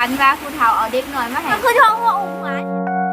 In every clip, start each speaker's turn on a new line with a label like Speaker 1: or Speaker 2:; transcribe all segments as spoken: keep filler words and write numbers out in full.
Speaker 1: นว่าผู้เฒ่าเอาเด็กน้อยมาให้มันคือท้องว่าอุ้มหวาน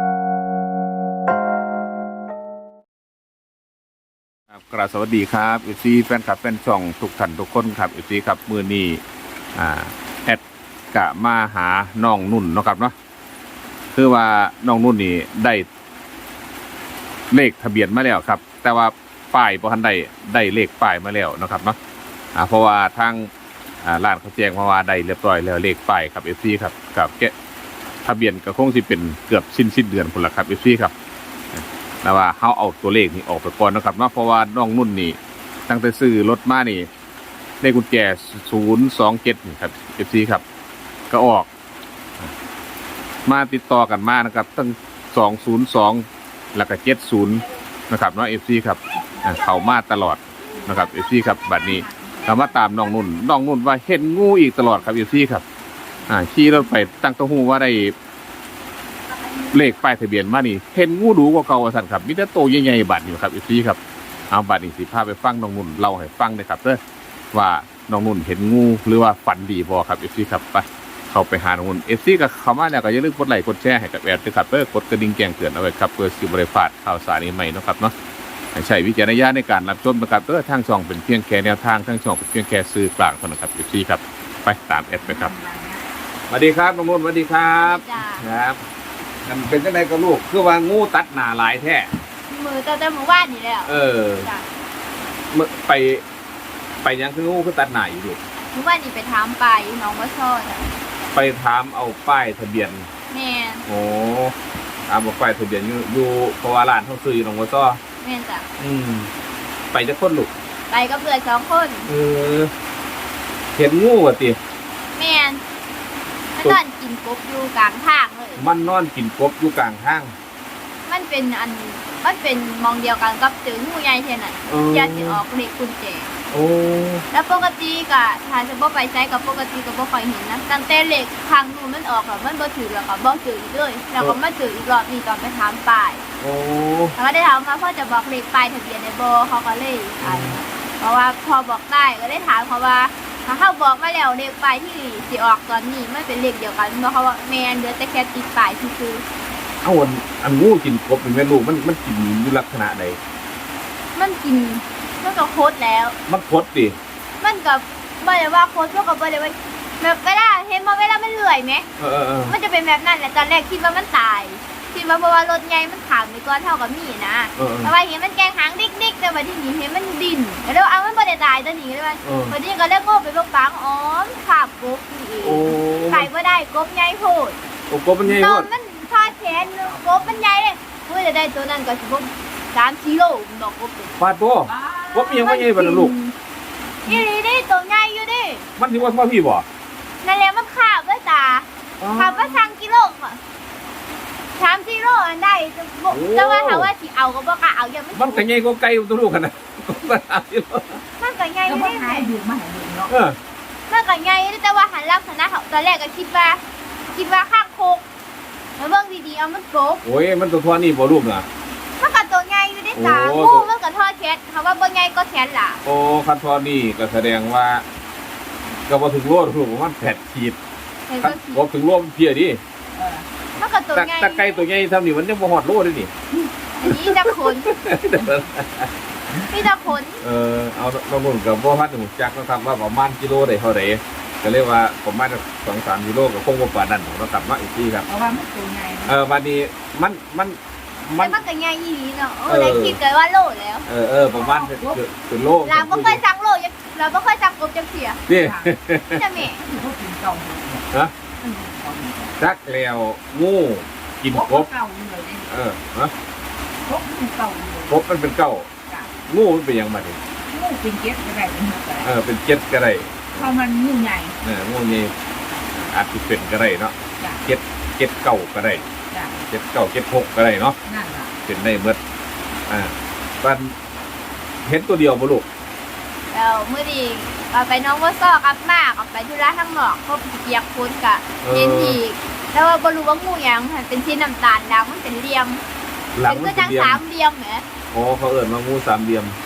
Speaker 2: ครับกราบสวัสดีครับเอฟซีแฟนคลับแฟนช่องทุกท่านทุกคนครับเอฟซีครับมือนี้อ่าแอดกะมาหาน้องนุ่นเนาะครับเนาะคือว่าน้องนุ่นนี่ได้เลขทะเบียนมาแล้วครับแต่ว่าป้ายบ่ทันได้ได้เลขป้ายมาแล้วเนาะครับเนาะอ่าเพราะว่าทางอ่าร้านเขาแจ้งมาว่าได้เรียบร้อยแล้วเลขป้ายครับเอฟซีครับกับแกะทะเบียนก็คงสิเป็นเกือบสิ้นสิ้นเดือนพุ่นละครับเอฟซีครับแต่ว่าเขาเอาตัวเลขนี้ออกไปก่อนนะครับเนาะเพราะว่าน้องนุ่นนี่ตั้งแต่ซื้อรถมานี่เลขกุญแจศูนย์สองเจ็ดนี่ครับเอฟซีครับก็ออกมาติดต่อกันมานะครับตั้งสองศูนย์สองแล้วก็เจ็ดศูนย์นะครับเนาะเอฟซีครับเขามาตลอดนะครับเอฟซีครับบัดนี้เรามาตามน้องนุ่นน้องนุ่นว่าเห็นงูอีกตลอดครับเอฟซีครับอ่าขี่รถไปตั้งตัวหูว่าได้เลขป้ายทะเบียนมานี่เห็นงูดูกว่าเก่าสั่นครับมีแต่โตใหญ่ๆบัดอยู่ครับเอฟซีครับเอาบัดนี้สิพาไปฟังน้องนุ่นเล่าให้ฟังนะครับเด้อว่าน้องนุ่นเห็นงูหรือว่าฝันดีบ่ครับเอฟซีครับไปเข้าไปหาน้องนุ่นเอฟซีก็เข้ามาแล้วก็อย่าลืมกดไลค์กดแชร์ให้กับแอดด้วยครับเด้อกดกระดิ่งแจ้งเตือนเอาไว้ครับเพื่อสิบ่ได้พลาดข่าวสารใหม่ๆเนาะครับเนาะใช้วิจารณญาณในการรับชมนะครับเด้อทางช่องเป็นเพียงแค่แนวทางทางช่องเป็นเพียงแค่สื่อกลางเท่านั้นครับเอฟซีครับไปตามแอดไปครับสวัสดีครับน้องนุ่นสวัสดีครับครับมันเป็นจังไดกับลูกคือว่างูตัดหน้าหลายแท้
Speaker 1: มือตั้งแต่เมื่อวานนี่แล้ว
Speaker 2: เออเมื่อไปไปยังคืองูคือตัดหน้าอยู่ลูก
Speaker 1: เมื่อวานนี่ไปถามไปน้องว่าชอบ
Speaker 2: ไปถามเอาป้ายทะเบียน
Speaker 1: แม่
Speaker 2: โอ้ถามเอาป้ายทะเบียนอยู่อยู่เพราะว่าร้านเขาซื้ออยู่น้องว่าซ้อ
Speaker 1: แม่จ้ะ
Speaker 2: อืมไปจะคนลูก
Speaker 1: ไปกับเพื่อนสองคน
Speaker 2: เออเห็นงูอ่ะติ
Speaker 1: แม่มันนอนกินกบอยู่กลางทางเลย
Speaker 2: มันนอนกินกบอยู่กลางทาง
Speaker 1: มันเป็นอันมันเป็นมองเดียวกันกับตืองูใหญ่เท่านั้นยาสิออกเลขกุญแจ
Speaker 2: โอ้
Speaker 1: แล้วปกติก็ถ้าจะบ่ไปใช้กับปกติก็บ่ค่อยเห็นนะตั้งแต่เลขครั้งนู้นมันออกแล้วมันบ่ถือแล้วก็บ่ถืออีกเลยแล้วก็มาถืออีกรอบนี้ตอนไปถามป้าย
Speaker 2: โอ้
Speaker 1: แล้วก็ได้ถามมาพ่อจะบอกเลขป้ายทะเบียนได้บ่เขาก็เลยอ่านเพราะว่าพอบอกได้ก็ได้ถามเขาว่าถ้าเขาบอกมาแล้วเลขป้ายที่สิออกตอนนี้มันเป็นเลขเดียวกันเพราะเขาว่าแม่นเหลือแต่แค่ติดป้ายซื่อ
Speaker 2: ๆเอาอันอันงูกินกบเป็นแม่ลูกมันมันกินอยู่ลักษณะใด
Speaker 1: มันกินมันก็โคตรแล้ว
Speaker 2: มันโคตรดิ
Speaker 1: มันก็บ่ได้ว่าโคตรก็บ่ได้ว่าแบบเวลาเห็นบ่เวลามันเลื่อยมั้ย
Speaker 2: เออๆ
Speaker 1: มันจะเป็นแบบนั้นแหละตอนแรกคิดว่ามันตายคิดว่าเพราะว่ารถใหญ่มันขามไปก่อนเท่ากับมีนะแต่ว่าเห็นมันแกงหางดิ๊กๆแต่ว่าที่นี่เห็นมันดินแล้วเอามันบ่ได้ตายตัวนี้เลยว่าพอดีก็เลยโง่ไปบ่ฟังอ๋อขาบกบนี่เองไก่บ่ได้กบใหญ่โพด
Speaker 2: โอ้กบมันใหญ่โพด
Speaker 1: มันทอดแขนกบมันใหญ่เลยเพื่อจะได้ตัวนั้นก็สิบ่สามกิโลดอกกบ
Speaker 2: ฟาดบ่กบยังบ่ใหญ่บ่ล่ะลูก
Speaker 1: อีหลีดิตัวใหญ่อยู่ดิ
Speaker 2: มันสิว่าพ่อพี่บ่
Speaker 1: นั่นแหละมันขาบด้วยตาขาบว่าสามกิโลค่ะสามกิโลอันได้แต่ว่าถ้าว่าสิเอาก็บ่กล้าเอายังไม่
Speaker 2: มันก็ใหญ่กว่าไก่ตัวลูกกันน่ะก็สามกิโล
Speaker 1: มันก็ใหญ่ได้ไหม
Speaker 3: ดูมาให้ดูเนาะ
Speaker 1: เออมันก็ใหญ่แต่ว่าหันลักษณะเขาตอนแรกก็คิดว่าคิดว่าข้างโคกมาเบิ่งดีๆเอามันโกบ
Speaker 2: โอ้ยมันตัวทอนี่บ่ลูกน่ะ
Speaker 1: มันก็ตัวใหญ่อยู่ในตางูมันก็ทอดแขนเขาว่าบ่ใหญ่ก็แขนล่ะ
Speaker 2: โอ้คันทอนี่ก็แสดงว่าก็บ่ถึงโลลูกประมาณแปดขีดบ่ถึงโลเพียดิ
Speaker 1: มันก็ตัวใหญ่
Speaker 2: ตะไก่ตัวใหญ่ทำนี่มันยังบ่ฮอดโลเลยนี่
Speaker 1: อันนี้ตะขนนี่ตะขน
Speaker 2: เออเอาเราหมุนกับบ่ฮัดหูจักนะครับว่าประมาณกิโลได้เท่าใดก็เรียกว่าประมาณสองสามกิโลก็คงบ่ปานนั้นเรากลับมาอีกทีครับ
Speaker 3: เพราะว่ามันตัวใหญ่
Speaker 2: เออบัดนี้มันมัน
Speaker 1: มันมันก็ใหญ่อีหลีเนาะโอ้ได้คิดเลยว่าโลแล้ว
Speaker 2: เออเออประมาณเป็นโล
Speaker 1: เราบ่เคยสั่งโลเราบ่เคยสั่งกบจังเสีย
Speaker 2: นี่
Speaker 1: จะแม่
Speaker 2: ฮะจักแล้วงูกินกบเออฮะ
Speaker 3: กบมันเก่าเลย
Speaker 2: กบมันเป็นเก่างูมันเป็นยังไง
Speaker 3: งูเป็นเจ็ดก็ได้
Speaker 2: เออเป็นเจ็ดก็ได้
Speaker 3: เพราะมันงูใหญ่
Speaker 2: เอองูนี่อาจจะเป็นก็ได้เนาะเจ็ดเจ็ดเก่าก็ได้เจ็ดเก่าเจ็ดหกก็ได้เนาะเป็นได้เมื่ออ่ามันเห็นตัวเดียวบ่ลูก
Speaker 1: แล้วเมื่อดีเอาไปน้องว่าซอกลับมากออกไปธุระข้างนอกเขาเปียกฝนกะเย็นอีกแล้วว่าบ่รู้ว่างูหยังเป็นสีน้ำตาลดำมันเป็นเหลี่ยมเป็นก็จังสามเหลี่ยมแหม
Speaker 2: อ๋อเขาเอิ้นว่างูสามเหลี่ยม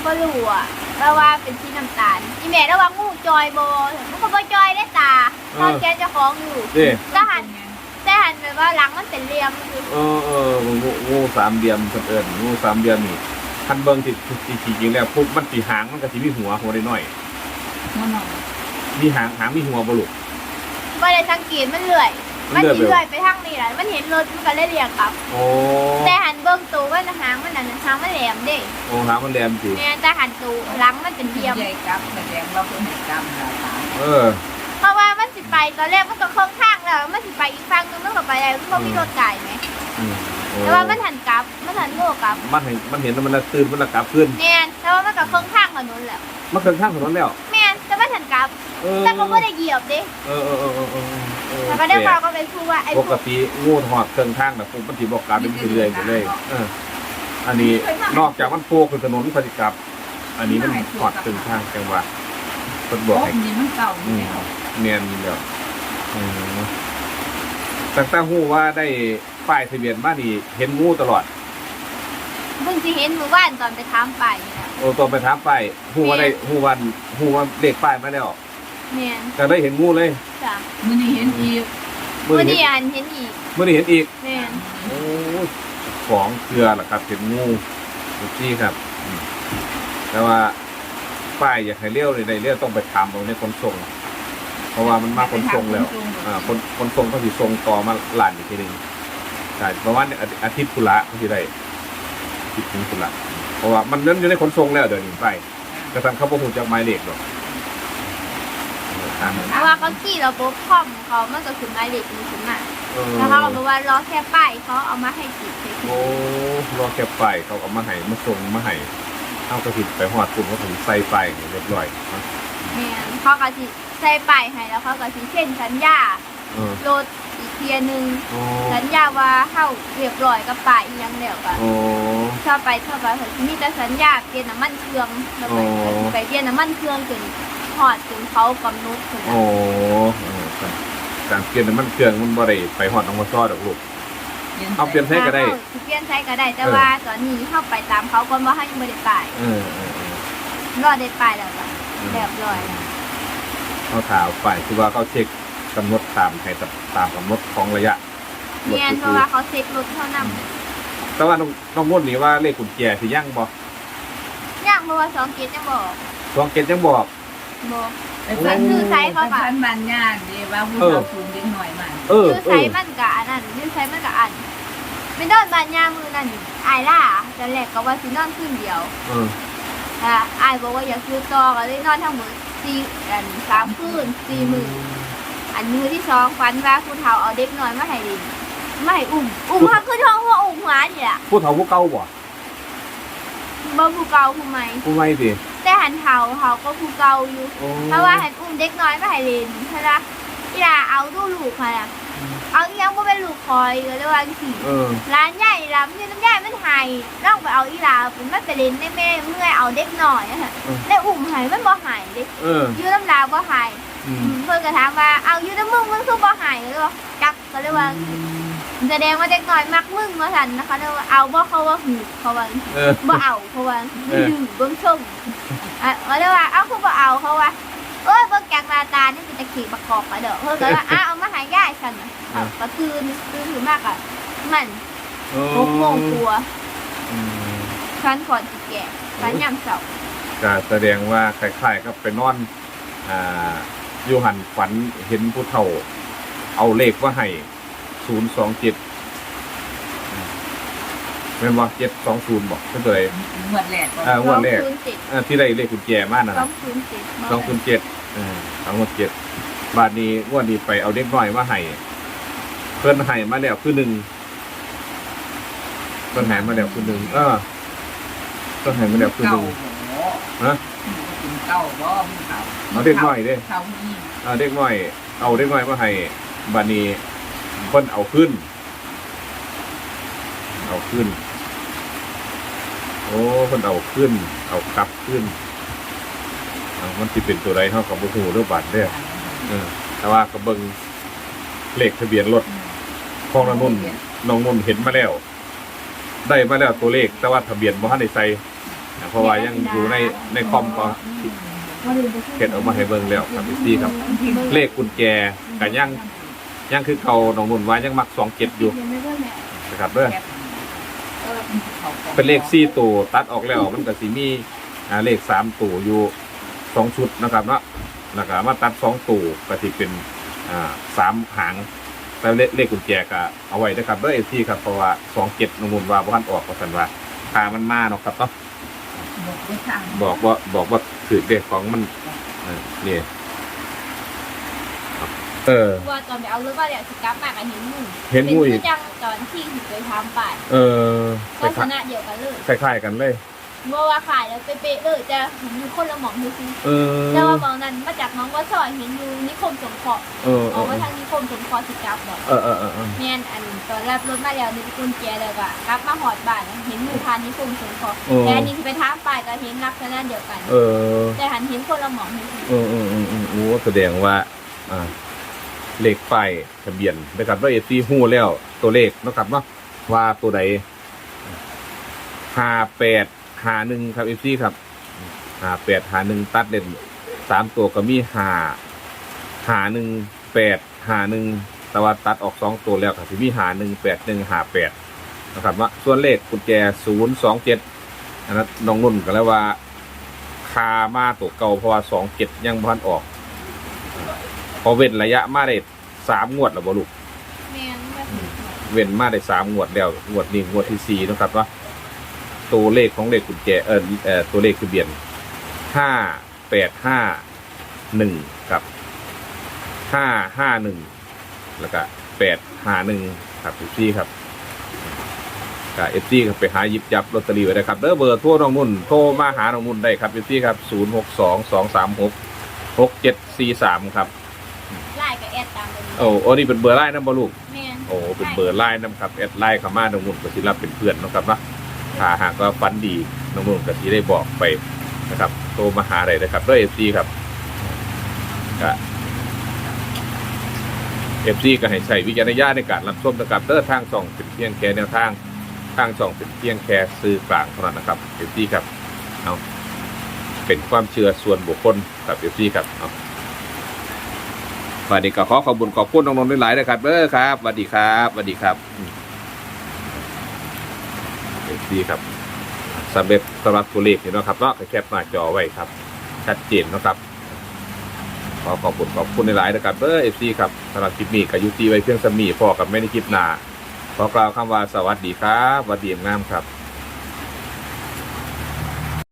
Speaker 1: บ่รู้อ่ะแต่ว่าเป็นสีน้ำตาลอีแม่ระวังงูจอยบ่มันก็บ่จอยได้ตาตอนแกจะคล้องอยู่
Speaker 2: เด้
Speaker 1: แต่หันแต่หันแบบว่าหลังมันเป็นเหลี่ยมคือ
Speaker 2: เออเอองูงูสามเหลี่ยมเพิ่นเอิ้นงูสามเหลี่ยมนี่คันเบิ่งที่ที่จริงๆแล้วปุ๊บมันสิหางมันก็สิมีหัวหัวน้อย
Speaker 3: มันหน่อย
Speaker 2: ๆมีหางหางมีหัวบ่ลูก
Speaker 1: บ่ได้สังเกตมันเลื่อย
Speaker 2: มั
Speaker 1: มัน น
Speaker 2: เลื่อย
Speaker 1: สิ
Speaker 2: ไป
Speaker 1: เลื่อยไปทางนี้ล่ะมันเห็นรถมันก็เลยเรียกกลับ
Speaker 2: โอ้
Speaker 1: แต่หันเบิ่งตัวว่าหางมันนั่นหางมันแหลมเด้
Speaker 2: โอ้หางมันแหลมสิ
Speaker 1: แม่แต่หันตัวหลังมันเป็นเหลี่ยม
Speaker 3: ใหญ่กับแสดงว่าเพิ่นเห็นกรรมเราตาย
Speaker 2: เออ
Speaker 1: เพราะว่ามันสิไปตอนแรกมันก็ค่อนข้างแล้วมันสิไปอีกฝั่งนึงมันก็ไปได้มันบ่มีรถไก่ไหม
Speaker 2: อืมโอ้
Speaker 1: แต่ว่ามันหันกลับมันหันโง่กลับ
Speaker 2: มันเห็นมันเห็นแล้วมันละตื่นมันละกลับขึ้น
Speaker 1: แม่นแต่ว่ามันก็ค่อนข้างถนนแล้ว
Speaker 2: มันเครื่องข้างถนนแล้ว
Speaker 1: แม่นแต่มันหันกลับ
Speaker 2: เออ
Speaker 1: แต่ก็บ่ได้เหยียบเด้
Speaker 2: เออเออเออเออเออเออ
Speaker 1: แล้วก็ได้เราก็ไปพูดว่าไอ้
Speaker 2: ป
Speaker 1: พ
Speaker 2: ก
Speaker 1: วก
Speaker 2: ติงูหอดเครื่องข้างแบบปุ๊บมันสิบอกกลับเป็นเรื่อยๆไปเลยเอออันนี้นอกจากมันโปกคือถนนพอดีกลับ อันนี้มันหอดเครื่องข้างจังหวะเพิ่นบอก
Speaker 3: โอ้
Speaker 2: ให้
Speaker 3: นี่มันเก่าอยู่แล้ว
Speaker 2: เนียนอยู่แล้วอืมตั้งแต่ฮู้ว่าได้ป้ายทะเบียนมานี่เห็นงูตลอด
Speaker 1: เพิ่งสิเห็นเมื่อวานตอนไปถามไปนี่นะ
Speaker 2: โอ้ตอนไปถามป้ายฮู้ว่าได้ฮู้วันฮู้ว่าเลขป้ายมาแล้ว
Speaker 1: แม่น
Speaker 2: ก็ได้เห็นงูเลย
Speaker 1: จ้ะ
Speaker 3: มื้อนี้เห็นอีก
Speaker 2: มื้อ
Speaker 1: เมื่อ
Speaker 2: นี้
Speaker 1: นี้
Speaker 2: เห็น
Speaker 1: อันเห็นอีก
Speaker 2: มื้อนี้เห็นอีก
Speaker 1: แม่น
Speaker 2: โอ้ของเกลือล่ะครับเห็นงูทุกที่ครับอืมแต่ว่าป้ายอยากให้เลี้ยวเลยได้เลี้ยวต้องไปถามตรงนี้ขนส่ง เพราะว่ามันมาขนส่งแล้ว อ่าคนคนส่งเขาสิส่งต่อมาหลานอีกทีหนึงใช่ประมาณอาทิอาทิตย์กุละเขาสิได้อาทิตย์ถึงกุละเพราะว่ามันนั้นอยู่ในขนส่งแล้วเดี๋ยวนี้ไปกระทั่งเขาบ่ฮู้จักหมายเลขหรอกตามนั้น
Speaker 1: เพราะว่าเขาขี่ระบบคอมเขามันก็ขึ้นหมายเลขนี้ขึ้นมา
Speaker 2: เออ
Speaker 1: แล้วเขาก็บอกว่ารอแค่ป้ายเขาเอามาให้ติดเฉย
Speaker 2: โอ้รอแค่ไปเขาก็มาให้มาส่งมาให้เอากระถิ่นไปฮอดคุณเขาถึงใส่ไปเรียบร้อยเนาะ
Speaker 1: ๆแม่นเขาก็สิใส่ป้ายให้แล้วเขาก็สิเซ็นสัญญา
Speaker 2: เออ
Speaker 1: รถอีกเทียหนึง
Speaker 2: โอ้
Speaker 1: สัญญาว่าเฮาเรียบร้อยกับป้ายอีหยังแล้วก็
Speaker 2: โอ้
Speaker 1: ชอบไปชอบไปเพิ่นสิมีแต่สัญญาเปลี่ยนน้ำมันเครื่องแล้วไป
Speaker 2: อ๋อ
Speaker 1: ไปเปลี่ยนน้ำมันเครื่องจนฮอดจนเขากำหนดพุ่น
Speaker 2: โอ้
Speaker 1: น่ะ
Speaker 2: เออครับการเปลี่ยนน้ำมันเครื่องมันบ่ได้ไปฮอดน้องมาซ้อดอกลูก เอาเปลี่ยน ใช้ก็ได้
Speaker 1: สิเปลี่ยนใช้ก็ได้แต่ว่าตอนนี้เฮาไปตามเขาก่อนว่าเฮายังบ่ได้ป้าย
Speaker 2: เออเออเออ
Speaker 1: รอได้ป้ายแล้วก็เรียบร้อยแล้ว
Speaker 2: เขาถามไปคือว่าเขาเช็คกำหนดตามให้ตามกำหนดของระยะรถ
Speaker 1: เนียนเพ
Speaker 2: คื
Speaker 1: ราะ
Speaker 2: อ
Speaker 1: ว่าเขาเช็ครถเท่านำ
Speaker 2: แต่ว่าน้องน้องมดนี่ว่าเลขกุญแจสิยั่งบ่
Speaker 1: ย่างเพราะว่าสองเกตยังบอก
Speaker 2: สองเกตยังบอก
Speaker 1: บอก
Speaker 3: ไปฟัน
Speaker 1: คือไซส์เขา
Speaker 3: ไป
Speaker 1: ก็
Speaker 3: ฟันมันย่านดีว่าผู้
Speaker 2: เออ
Speaker 3: เราสูงเล็กหน่อยมัน
Speaker 2: เออ
Speaker 1: คือ
Speaker 2: เอ
Speaker 1: ไซ
Speaker 2: อ
Speaker 1: ส์มันกับอันนั้นคือไซส์มันกับอันไม่นอนบ้านยามือนั่นอายล่าตอนแรกก็ว่าสินอนคืนเดียว
Speaker 2: เออ
Speaker 1: อ่าอายบอกว่าอยากซื้อต่อก็เลยนอนทั้งหมดสี่อันสามคืนสี่มืออันมือที่สองฝันว่าผู้เฒ่าเอาเด็กน้อยมาให้ดินมาให้อุ้มอุ้มเขาขึ้นท้องว่าอุ้มหัวนี่แหละ
Speaker 2: ผู้เฒ่าผู้เก่าบ่
Speaker 1: บ่ผู้เก่าผู้ใหม่
Speaker 2: ผู้ใหม่สิ
Speaker 1: แต่หันเฒ่าเขาก็ผู้เก่าอยู่
Speaker 2: โอ้
Speaker 1: เพราะว่าหันอุ้มเด็กน้อยมาให้เล่นใช่ไหมอีหลาเอาดูลูกค่ะน่ะเอาอีหยังบ่เป็นลูกคอยก็เลยว่าจังซี่
Speaker 2: เออ
Speaker 1: ร้านใหญ่ร้านนี่น้ำใหญ่มันหายลองไปเอาอีหลาเป็นมันไปเล่นในแม่เมื่อยเอาเด็กน้อยอะค่ะได้อุ้มหายมันบ่หายเด้
Speaker 2: เออ
Speaker 1: อยู่น้ำลาบ่หาย
Speaker 2: อืม
Speaker 1: เพิ่นก็ถามว่าเอาอยู่น้ำมึงมึงคือบ่หายเลยบ่จักก็เลยว่าแสดงว่าเด็กน้อยมักมึงว่าซั่นนะคะเลยว่าเอาบ่เขาว่าหูเขาว่า
Speaker 2: เออ
Speaker 1: บ่เอาเพราะว่า
Speaker 2: เออ
Speaker 1: ดื้อเบิ่งชมอ่ะก็เลยว่าเอ้าคือบ่เอาเพราะว่าเอ้ยเบิ่งจากหน้าตานี่เป็นตะขี้ประกอบไปเด้อเพิ่นก็ว่าอ้าเอามาให้ยายซั่นน่ะอ่ะก็ตื่นตื่นขึ้นมากอ่ะมัน
Speaker 2: โอ้
Speaker 1: หกโมงกว่า
Speaker 2: อืม
Speaker 1: ฟันก่อนสิแก่ฟันยามเช้า
Speaker 2: ก็แสดงว่าคล้ายๆกับไปนอนอ่าอยู่หันฝันเห็นผู้เฒ่า เอาเลขว่าให้ศูนย์สองเจ็ดเป็นว่าเจ็ดสองศูนย์บอกเป็นตัวไหน
Speaker 3: หมดแหลก
Speaker 2: อ่า งวดแรก
Speaker 1: สองศูนย์เจ็ด
Speaker 2: อ่าที่ได้เลขกุญแจมากนะ
Speaker 1: สองศูนย์เจ็ด
Speaker 2: สองศูนย์เจ็ดอ่าสองศูนย์เจ็ดบาทนี้งวดนี้ไปเอาเด็กน้อยมาให้เพิ่นให้มาแล้วคือหนึ่งเพิ่นให้มาแล้วคือหนึ่งเออเพิ่นให้มาแล้วคือห
Speaker 3: เก่า
Speaker 2: นึ่ง
Speaker 3: ฮะกินเก่าบ่มึงเก่า
Speaker 2: เอาเด็กน้อยเด้
Speaker 3: เก่านี่
Speaker 2: เอาเด็กน้อย เอาเด็กน้อยมาให้บาทนี้เพิ่นเอาขึ้น เอาขึ้น โอ้เพิ่นเอาขึ้น เอากลับขึ้นเอามันสิเป็นตัวใดเท่ากับบุหูหรือบาทเด้อเออ แต่ว่าก็เบิ่งเลขทะเบียนรถของน้องนุ่นน้องนุ่นเห็นมาแล้ว ได้มาแล้วตัวเลข แต่ว่าทะเบียนบ่ทันได้ใส่เพราะว่ายังอยู่ในในคอมก็เก็บออกมาให้เบิ่งแล้วครับพี่ครับเลขกุญแจก็ยังยังคือเก่าน้องนุ่นว่ายังมักสองเจ็ดอยู่นะครับเด้อเป็นเลขสี่ตัวตัดออกแล้วมันก็สิมีอ่าเลขสามตัวอยู่สองชุดนะครับเนาะแล้วก็มาตัดสองตัวก็สิเป็นอ่าสามหางแต่เลขเลขกุญแจก็เอาไว้นะครับเด้อเอฟซีครับเพราะว่าสองเจ็ดน้องนุ่นว่าบ่ทันออกก็สันว่าพามันมาเนาะครับเนาะบอกว่าบอกว่าถือเลขของมันนี่เออ
Speaker 1: ว่าตอนไปเอารถมาเนี่ยสิกลับมากับเห็นงู
Speaker 2: เห็นงูอีก
Speaker 1: เป็นจังตอนที่ถึงไปทำป่าย
Speaker 2: เออ
Speaker 1: ลักษณะเดียวกันเลย
Speaker 2: คล้ายๆกันเลย
Speaker 1: เมื่อว่าขายแล้วเป๊ะๆเลยแต่เห็นอยู่คนละหมองดูซิ
Speaker 2: เออ
Speaker 1: แต่ว่าหมองนั้นมาจากน้องว่าซอยเห็นอยู่นิคมสงเคราะห์
Speaker 2: เออ
Speaker 1: ออกมาทางนิคมสงเคราะห์สิกลับบอก
Speaker 2: เออเออเออเออ
Speaker 1: แม่นอันตอนรับรถมาแล้วนี่กุญแจเลยว่ากลับมาหอดบ้านเห็นอยู่ทานนิคมสงเคราะห์แต่อันนี้ที่ไปทำป่ายก็เห็นลักษณะเดียวกัน
Speaker 2: เออ
Speaker 1: แต่หันเห็นคนละหมองดูซิ
Speaker 2: เออเออเออเออโอ้แสดงว่าอ่าเลขป้ายทะเบียนนะครับว่าเอซีฮู้แล้วตัวเลขนะครับเนาะว่าตัวใดห้าแปดห้าหนึ่งครับเอซีครับห้าแปดห้าหนึ่งตัดเด่นสามตัวก็มีห้าห้าหนึ่งแปดห้าหนึ่งแต่ว่าตัดออกสองตัวแล้วครับที่มีห้าหนึ่งแปดหนึ่งห้าแปดนะครับว่าส่วนเลขกุญแจศูนย์สองเจ็ดอันนั้นน้องนุ่นก็แล้วว่าคามาตัวเก่าเพราะว่าสองเจ็ดยังพันออกพอเว้นระยะมาได้สามงวดแล้วบ่ลูก
Speaker 1: แม่นแบบ
Speaker 2: เว้นมาได้สามงวดแล้วงวดนี้งวดที่สี่นะครับว่าตัวเลขของเลขกุญแจเออเออตัวเลขทะเบียนห้าแปดห้าหนึ่งกับห้าห้าหนึ่งแล้วก็แปดห้าหนึ่งครับทุกที่ครับกับเอฟซีครับไปหาหยิบจับลอตเตอรี่ไว้ได้ครับเด้อเบอร์โทรน้องนุ่นโทรมาหาน้องนุ่นได้ครับเอฟซีครับศูนย์หกสองสองสามหกหกเจ็ดสี่สามครับ
Speaker 1: ไล่กับแอดตามไปเลย
Speaker 2: โอ้โอ้นี่เป็นเบอร์ไลน์นะบอลูก
Speaker 1: แม่น
Speaker 2: โอ้เป็นเบอร์ไลน์นะครับแอดไลน์เข้ามาน้องนุ่นก็สิรับเป็นเพื่อนนะครับนะถ้าหากว่าฟันดีน้องนุ่นก็สิได้บอกไปนะครับโทรมาหาอะไรนะครับด้วยเอฟซีครับก็เอฟซีก็ให้ใช้วิจารณญาณในการรับชมนะครับเด้อทางช่องเป็นเพียงแค่แนวทางทางช่องเป็นเพียงแค่สื่อกลางเท่านั้นนะครับเอฟซีครับเอาเป็นความเชื่อส่วนบุคคลกับเอฟซีครับเอาวันนี้ก็ขอขอบคุณขอบคุณน้องๆหลายๆนะครับเด้อครับสวัสดีครับสวัสดีครับเอฟซีครับสำเร็จสำหรับตัวเลขนี่เนาะครับเนาะแคปหน้าจอไว้ครับชัดเจนนะครับขอขอบคุณขอบคุณหลายๆนะครับเด้อเอฟซีครับสำหรับคลิปนี้ก็ยุติไว้เพียงสมีพอกับไม่ในคลิปหน้าขอกล่าวคำว่าสวัสดีครับสวัสดีงามครับ